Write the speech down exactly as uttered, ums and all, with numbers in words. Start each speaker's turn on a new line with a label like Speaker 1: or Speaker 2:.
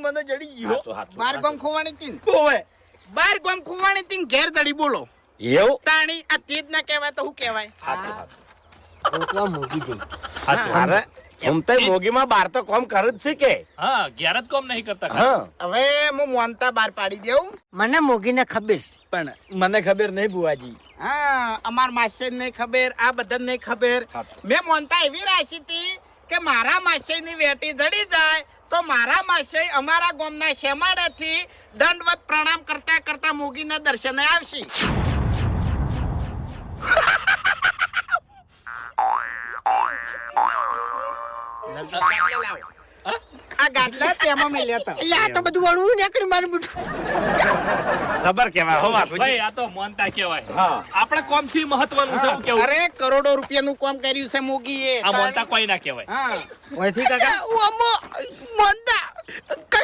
Speaker 1: મને જડી ગયો.
Speaker 2: બાર ગામ ખોવાણી તીન
Speaker 1: ઓવે
Speaker 2: બાર ગામ ખોવાણી તીન ઘેર દડી બોલો
Speaker 1: એવું
Speaker 2: તાણી આ તેજ ના કહેવાય તો શું કહેવાય?
Speaker 3: રોટલા મૂકી દે.
Speaker 1: અરે એમ તો મોગીમાં બાર તો કોમ કર જ છે કે
Speaker 4: હા ઘેર જ કોમ નહીં કરતા
Speaker 1: હા
Speaker 2: હવે હું મોનતા બાર પાડી દેવું.
Speaker 3: મને મોગીને ખબર છે.
Speaker 1: પણ મને ખબર નહીં બુવાજી.
Speaker 2: હા અમાર માસે નહીં ખબર આ બધા નહીં ખબર. મેં મોનતા એવી રાશી હતી કે મારા માસે ની વેટી જડી જાય તો મારા માસે અમારા ગામના શેમાડેથી દંડવત પ્રણામ કરતા કરતા મોગીના દર્શને આવશે. આ ગાદલા તેમાં મેલ્યા હતા.
Speaker 3: એટલે આ તો બધું વળવું નીકળી મારું બધું.
Speaker 1: ખબર કેવાય હો
Speaker 4: ભાઈ
Speaker 1: બાપુજી.
Speaker 4: આ તો મોનતા કહેવાય
Speaker 1: હા
Speaker 4: આપણે કોમ થી મહત્વનું છે એવું કેવું
Speaker 2: અરે કરોડો રૂપિયાનું કામ કર્યું છે મોગીએ.
Speaker 4: આ મોનતા કોઈ ના કહેવાય
Speaker 2: હા
Speaker 3: ઓયથી કાકા ઓ અમ્મો મોંદા